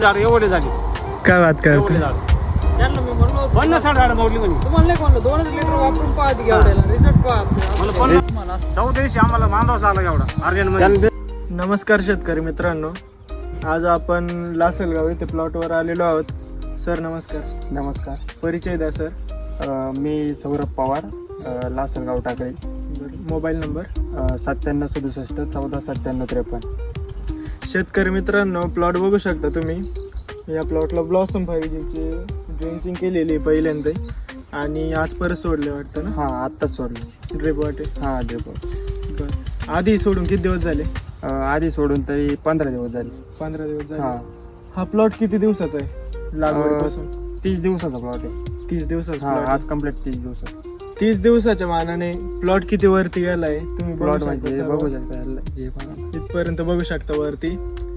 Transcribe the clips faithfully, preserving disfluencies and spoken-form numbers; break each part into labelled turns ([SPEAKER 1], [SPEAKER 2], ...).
[SPEAKER 1] झाड एवढे झाले.
[SPEAKER 2] काय बात
[SPEAKER 1] एवढे
[SPEAKER 2] करतो
[SPEAKER 1] झाड
[SPEAKER 3] त्यांना मी म्हणलो होतो,
[SPEAKER 1] पन्नास साठ झाड मोडली म्हणे.
[SPEAKER 3] तुम्हाला नाही म्हणलं दोनच लिटर वापरून पहा ती एवढ्याला रिझल्ट पहा
[SPEAKER 1] मला पन्नास चौदा दिवशी आम्हाला बांधावंच लागला एवढा अर्जंट मध्ये.
[SPEAKER 2] नमस्कार शेतकरी मित्रांनो, आज आपण लासलगाव येथे प्लॉटवर आलेलो आहोत. सर नमस्कार.
[SPEAKER 4] नमस्कार.
[SPEAKER 2] परिचय द्या सर.
[SPEAKER 4] अ, मी सौरभ पवार, अ, लासलगाव टाकळी.
[SPEAKER 2] मोबाईल नंबर
[SPEAKER 4] सत्त्याण्णव सदुसष्ट चौदा सत्त्याण्णव त्रेपन्न.
[SPEAKER 2] शेतकरी मित्रांनो, प्लॉट बघू शकता तुम्ही. या प्लॉटला ब्लॉसम फाईव्ह जीची ड्रेंचिंग केलेली आहे पहिल्यांदा, आणि आज परत सोडले वाटतं ना?
[SPEAKER 4] हां, आत्ताच सोडलं.
[SPEAKER 2] ड्रिप वाटे.
[SPEAKER 4] हां, ड्रिप.
[SPEAKER 2] बरं, आधी सोडून किती दिवस झाले?
[SPEAKER 4] आधी सोडून तरी पंधरा दिवस झाले.
[SPEAKER 2] पंधरा दिवस झाले.
[SPEAKER 4] हां.
[SPEAKER 2] हा प्लॉट किती दिवसाचा आहे लागवडीपासून?
[SPEAKER 4] तीस दिवसाचा प्लॉट आहे.
[SPEAKER 2] तीस दिवसाचा
[SPEAKER 4] हां,
[SPEAKER 2] plot
[SPEAKER 4] आज
[SPEAKER 2] आहे.
[SPEAKER 4] कम्प्लीट तीस दिवसात.
[SPEAKER 2] तीस दिवसाच्या मानाने प्लॉट किती वरती गेलाय तुम्ही बघू
[SPEAKER 4] प्लॉट
[SPEAKER 2] शकता
[SPEAKER 4] म्हणजे
[SPEAKER 2] सर्व.
[SPEAKER 4] बघू शकता. हे बघा.
[SPEAKER 2] इथपर्यंत बघू शकता वरती.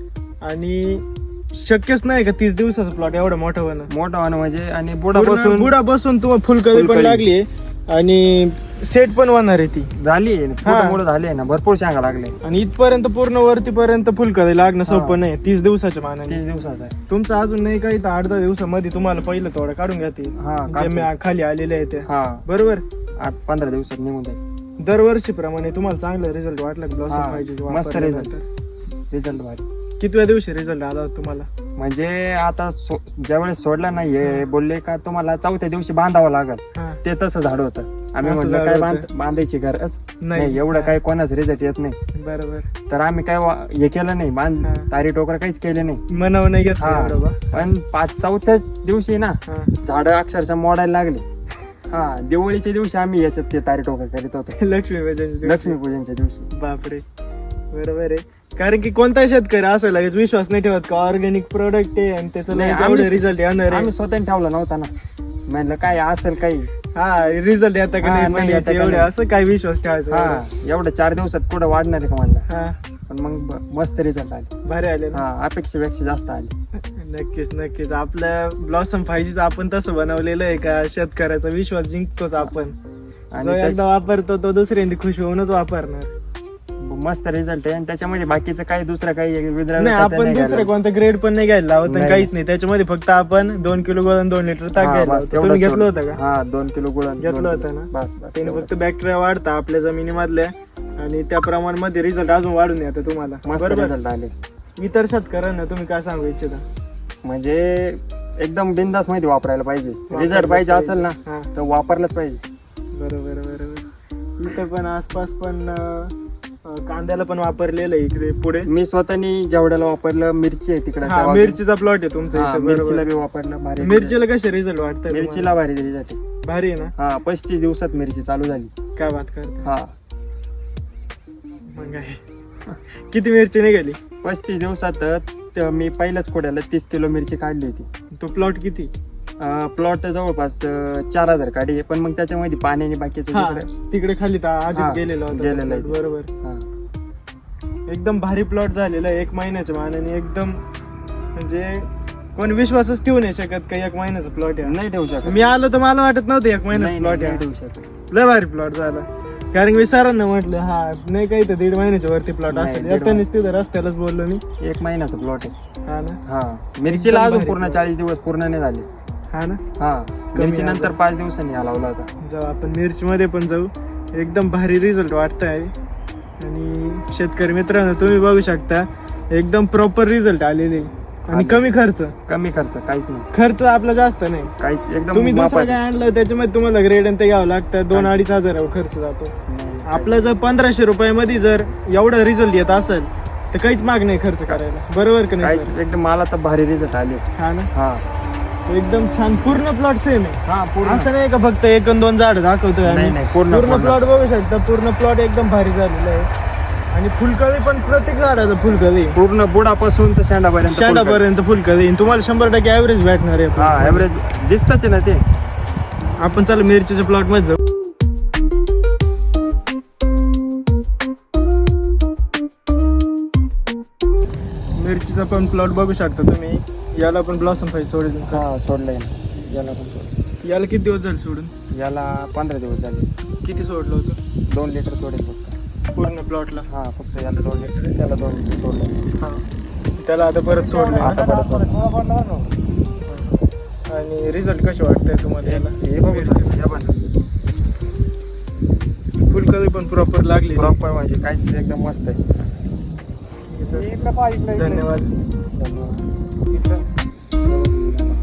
[SPEAKER 2] आणि शक्यच नाही का तीस दिवसाचा प्लॉट एवढा मोठा होणं.
[SPEAKER 4] मोठा होणं म्हणजे, आणि बुडापासून
[SPEAKER 2] बुडा बसून तुम्हाला फुलकळी पण
[SPEAKER 4] फुलकळी.
[SPEAKER 2] लागली आणि सेट पण होणार आहे ती.
[SPEAKER 4] झाली मोठं झाली आहे ना, भरपूर शांगा लागले.
[SPEAKER 2] आणि इथपर्यंत पूर्ण वरतीपर्यंत फुलकळी लागणं सोपं नाही तीस दिवसाच्या मानाने.
[SPEAKER 4] तीस दिवसाचा आहे.
[SPEAKER 2] तुमचं अजून नाही काही तर आठ दहा दिवसामध्ये तुम्हाला पहिलं थोडं काढून घ्यातील.
[SPEAKER 4] हा,
[SPEAKER 2] जे
[SPEAKER 4] काढतो.
[SPEAKER 2] मी खाली आलेले आहे ते.
[SPEAKER 4] हां,
[SPEAKER 2] बरोबर.
[SPEAKER 4] आठ पंधरा दिवसात निघून जाईल.
[SPEAKER 2] दरवर्षी प्रमाणे तुम्हाला चांगला रिझल्ट वाटला
[SPEAKER 4] हा,
[SPEAKER 2] ब्लॉसम पाहिजे
[SPEAKER 4] मस्त रिझल्ट. रिझल्ट भारी.
[SPEAKER 2] कितव्या दिवशी रिझल्ट आला तुम्हाला?
[SPEAKER 4] म्हणजे आता सो ज्यावेळेस सोडला नाहीये, बोलले का तुम्हाला चौथ्या दिवशी बांधावं लागल.
[SPEAKER 2] हा.
[SPEAKER 4] ते तसं झाड होतं. आम्ही
[SPEAKER 2] असं
[SPEAKER 4] म्हटलं
[SPEAKER 2] झाड
[SPEAKER 4] काय
[SPEAKER 2] होतं.
[SPEAKER 4] बांध बांधायची गरज
[SPEAKER 2] नाही.
[SPEAKER 4] नाही, एवढं
[SPEAKER 2] हा.
[SPEAKER 4] काही कोणाच रिझल्ट येत नाही.
[SPEAKER 2] बरोबर.
[SPEAKER 4] तर आम्ही काय वा- हे केलं नाही, बांध
[SPEAKER 2] हा.
[SPEAKER 4] तारी टोकर काहीच केले नाही.
[SPEAKER 2] मनाव नाही घेतलं
[SPEAKER 4] हा,
[SPEAKER 2] एवढं बा.
[SPEAKER 4] पण पाच चौथ्या दिवशी ना
[SPEAKER 2] हा.
[SPEAKER 4] झाड अक्षरशः मोडायला लागली. हा, दिवाळीच्या दिवशी आम्ही याच्यात ते तारी टोकर करीत होतो.
[SPEAKER 2] लक्ष्मी पूजनच्या दिवशी.
[SPEAKER 4] लक्ष्मीपूजनच्या दिवशी.
[SPEAKER 2] बापरे, बरोबर आहे. कारण की कोणता शेतकरी असं लगेच विश्वास नाही ठेवत का ऑर्गॅनिक प्रोडक्ट आहे आणि त्याचं
[SPEAKER 4] नाही,
[SPEAKER 2] एवढे
[SPEAKER 4] आम्ही-
[SPEAKER 2] रिझल्ट येणार आहे.
[SPEAKER 4] आम्ही स्वतःने ठेवला नव्हता ना. म्हणलं काय असेल काही.
[SPEAKER 2] हा, रिझल्ट येता का
[SPEAKER 4] हा,
[SPEAKER 2] नाही
[SPEAKER 4] नाही
[SPEAKER 2] पण
[SPEAKER 4] येता
[SPEAKER 2] याचे
[SPEAKER 4] का
[SPEAKER 2] एवढे
[SPEAKER 4] नाही.
[SPEAKER 2] असं काय विश्वास ठेवायचा
[SPEAKER 4] हा,
[SPEAKER 2] एवढा?
[SPEAKER 4] एवढं चार दिवसात कुठं वाढणार आहे का म्हणलं.
[SPEAKER 2] हा,
[SPEAKER 4] पण मग ब- मस्त रिझल्ट आले.
[SPEAKER 2] भारी आले ना.
[SPEAKER 4] हा, अपेक्षेपेक्षा जास्त आले.
[SPEAKER 2] नक्कीच नक्कीच. आपल्या ब्लॉसम फायजीच आपण तसं बनवलेलं आहे का शेतकऱ्याचा विश्वास जिंकतोच आपण.
[SPEAKER 4] आणि
[SPEAKER 2] जो
[SPEAKER 4] त्याच-
[SPEAKER 2] एकदा वापरतो तो दुसऱ्यांदा खुश होऊनच वापरणार.
[SPEAKER 4] मस्त रिझल्ट आहे. आणि त्याच्यामध्ये बाकीचं काही दुसरं काही विद्रा
[SPEAKER 2] नाही, आपण दुसरे कोणतं ग्रेड पण नाही घ्यायला लावत आणि
[SPEAKER 4] नाही.
[SPEAKER 2] काहीच नाही. त्याच्यामध्ये फक्त आपण दोन किलो गोळा आणि दोन लिटर ताक घ्यायला लावतो. तुम्ही घेतलं होतं का?
[SPEAKER 4] हा, दोन किलो गुळ
[SPEAKER 2] घेतलं होतं ना?
[SPEAKER 4] बस बस
[SPEAKER 2] त्याने
[SPEAKER 4] एवढं.
[SPEAKER 2] फक्त बॅक्टेरिया वाढता आपल्या जमिनीमधल्या, आणि त्या प्रमाणामध्ये रिझल्ट अजून वाढून येतं तुम्हाला.
[SPEAKER 4] मस्त
[SPEAKER 2] बरोबर.
[SPEAKER 4] रिझल्ट आले.
[SPEAKER 2] इतर शेतकऱ्यांना तुम्ही काय सांगू इच्छिता?
[SPEAKER 4] म्हणजे एकदम बिंदास मध्ये वापरायला पाहिजे.
[SPEAKER 2] वापरलंच
[SPEAKER 4] रिझल्ट पाहिजे असेल ना
[SPEAKER 2] हा.
[SPEAKER 4] तर वापरलंच पाहिजे.
[SPEAKER 2] बरोबर बरोबर. इथं पण आसपास पण अं, कांद्याला पण वापरलेलं आहे इकडे पुढे.
[SPEAKER 4] मी स्वतःनी जेवढ्याला वापरलं. मिरची आहे तिकडे.
[SPEAKER 2] हा, मिरचीचा प्लॉट आहे तुमचा
[SPEAKER 4] हा,
[SPEAKER 2] इथं.
[SPEAKER 4] मिरचीला
[SPEAKER 2] बरोबर.
[SPEAKER 4] बी वापरलं. भारी
[SPEAKER 2] मिरचीला कसे रिझल्ट वाटतं?
[SPEAKER 4] मिरचीला भारी रिझल्ट आहे.
[SPEAKER 2] भारी आहे ना?
[SPEAKER 4] हा, पस्तीस दिवसात मिरची चालू झाली.
[SPEAKER 2] काय बात करते.
[SPEAKER 4] हा,
[SPEAKER 2] मग काय, किती मिरची निघाली?
[SPEAKER 4] पस्तीस दिवसात त- मी पहिल्याच कोड्याला तीस किलो मिरची काढली होती.
[SPEAKER 2] तो प्लॉट किती?
[SPEAKER 4] प्लॉट जवळपास अं, चार हजार काढी, पण मग त्याच्यामध्ये पाण्याने बाकीचं
[SPEAKER 2] हा,
[SPEAKER 4] तिकडे-
[SPEAKER 2] तिकडे खाली तर
[SPEAKER 4] हा,
[SPEAKER 2] आधीच गेलेला होता
[SPEAKER 4] गेलेला
[SPEAKER 2] तो
[SPEAKER 4] आहे.
[SPEAKER 2] plot. बरोबर.
[SPEAKER 4] हा.
[SPEAKER 2] एकदम भारी प्लॉट झालेला आहे. एक महिन्याच्या मानाने एकदम, म्हणजे कोण विश्वासच ठेवू नाही शकत का एक महिन्याचा प्लॉट आहे.
[SPEAKER 4] नाही ठेवू शकत.
[SPEAKER 2] मी आलो तर मला वाटत नव्हतं एक महिन्याचा
[SPEAKER 4] नाही,
[SPEAKER 2] प्लॉट
[SPEAKER 4] नाही
[SPEAKER 2] आहे.
[SPEAKER 4] ठेवू शकत.
[SPEAKER 2] लय भारी प्लॉट झाला. कारण की मी सरांना म्हटलं हा नाही काही तर दीड महिन्याच्या वरती प्लॉट
[SPEAKER 4] नाही,
[SPEAKER 2] असेल.
[SPEAKER 4] दीड
[SPEAKER 2] एकट्यानेच तिथं रस्त्यालाच बोललो मी.
[SPEAKER 4] एक महिन्याचा प्लॉट आहे.
[SPEAKER 2] हा ना.
[SPEAKER 4] हा, मिरचीला
[SPEAKER 2] एकदम
[SPEAKER 4] अजून
[SPEAKER 2] भारी
[SPEAKER 4] पूर्ण
[SPEAKER 2] plot.
[SPEAKER 4] चाळीस दिवस पूर्ण नाही झाले.
[SPEAKER 2] हा ना.
[SPEAKER 4] हा, मिरची
[SPEAKER 2] अजून.
[SPEAKER 4] नंतर पाच दिवसांनी हा लावला होता.
[SPEAKER 2] जाऊ आपण मिरची मध्ये पण जाऊ. एकदम भारी रिझल्ट वाटत आहे. आणि शेतकरी मित्रांनो, तुम्ही बघू शकता एकदम प्रॉपर रिझल्ट आलेले आणि
[SPEAKER 4] आले.
[SPEAKER 2] कमी खर्च.
[SPEAKER 4] कमी खर्च काहीच नाही.
[SPEAKER 2] खर्च आपला जास्त नाही.
[SPEAKER 4] काहीच एकदम
[SPEAKER 2] तुम्ही दुसरं
[SPEAKER 4] मापात.
[SPEAKER 2] काय आणलं त्याच्यामध्ये तुम्हाला ग्रेड आणि ते घ्यावं लागतं. दोन
[SPEAKER 4] काहीच.
[SPEAKER 2] अडीच हजार खर्च जातो.
[SPEAKER 4] नाही,
[SPEAKER 2] आपलं जर पंधराशे रुपयामध्ये जर एवढा रिझल्ट येत असेल तर काहीच माग नाही खर्च करायला. बरोबर का नाही
[SPEAKER 4] काहीच
[SPEAKER 2] sir?
[SPEAKER 4] एकदम मला तर भारी रिझल्ट आले.
[SPEAKER 2] हा ना.
[SPEAKER 4] हा
[SPEAKER 2] एकदम छान. पूर्ण प्लॉट सेम आहे.
[SPEAKER 4] हा, पूर्ण.
[SPEAKER 2] असं नाही का फक्त एक आणि दोन झाड दाखवतोय आम्ही.
[SPEAKER 4] नाही, नाही, पूर्ण-
[SPEAKER 2] पूर्ण
[SPEAKER 4] पूर्ण.
[SPEAKER 2] प्लॉट बघू शकता. पूर्ण प्लॉट एकदम भारी झालेला आहे. आणि फुलकळी पण प्रत्येक झाडाचं फुलकळी,
[SPEAKER 4] पूर्ण बुडापासून तर शेंडापर्यंत.
[SPEAKER 2] शेंडापर्यंत फुलकळी. तुम्हाला शंभर टक्के ऍव्हरेज भेटणार आहे.
[SPEAKER 4] हा, ऍव्हरेज दिसतच आहे ना ते.
[SPEAKER 2] आपण चला मिरचीच्या प्लॉट मध्ये जाऊ. मिरचीचा पण प्लॉट बघू शकता तुम्ही. याला पण ब्लॉसम फाईव्ह सोडेल सर.
[SPEAKER 4] हा, सोडलंय ना. याला पण सोडलं.
[SPEAKER 2] याला किती दिवस झाले सोडून?
[SPEAKER 4] याला पंधरा दिवस झाले.
[SPEAKER 2] किती सोडलं होतं
[SPEAKER 4] दोन लिटर सोडेल फक्त.
[SPEAKER 2] पूर्ण प्लॉटला?
[SPEAKER 4] हा, फक्त याला दोन लिटर, त्याला दोन लिटर सोडलं.
[SPEAKER 2] हा. त्याला आता परत सोडलं
[SPEAKER 4] आता परत सोडलं.
[SPEAKER 2] आणि रिझल्ट कसे वाटतंय तुम्हाला याला
[SPEAKER 4] हे बघू
[SPEAKER 2] मिरची?
[SPEAKER 4] हे बघा.
[SPEAKER 2] फुलकळी पण प्रॉपर लागली
[SPEAKER 4] प्रॉपर म्हणजे काहीच एकदम मस्त आहे.
[SPEAKER 2] धन्यवाद.
[SPEAKER 4] धन्यवाद.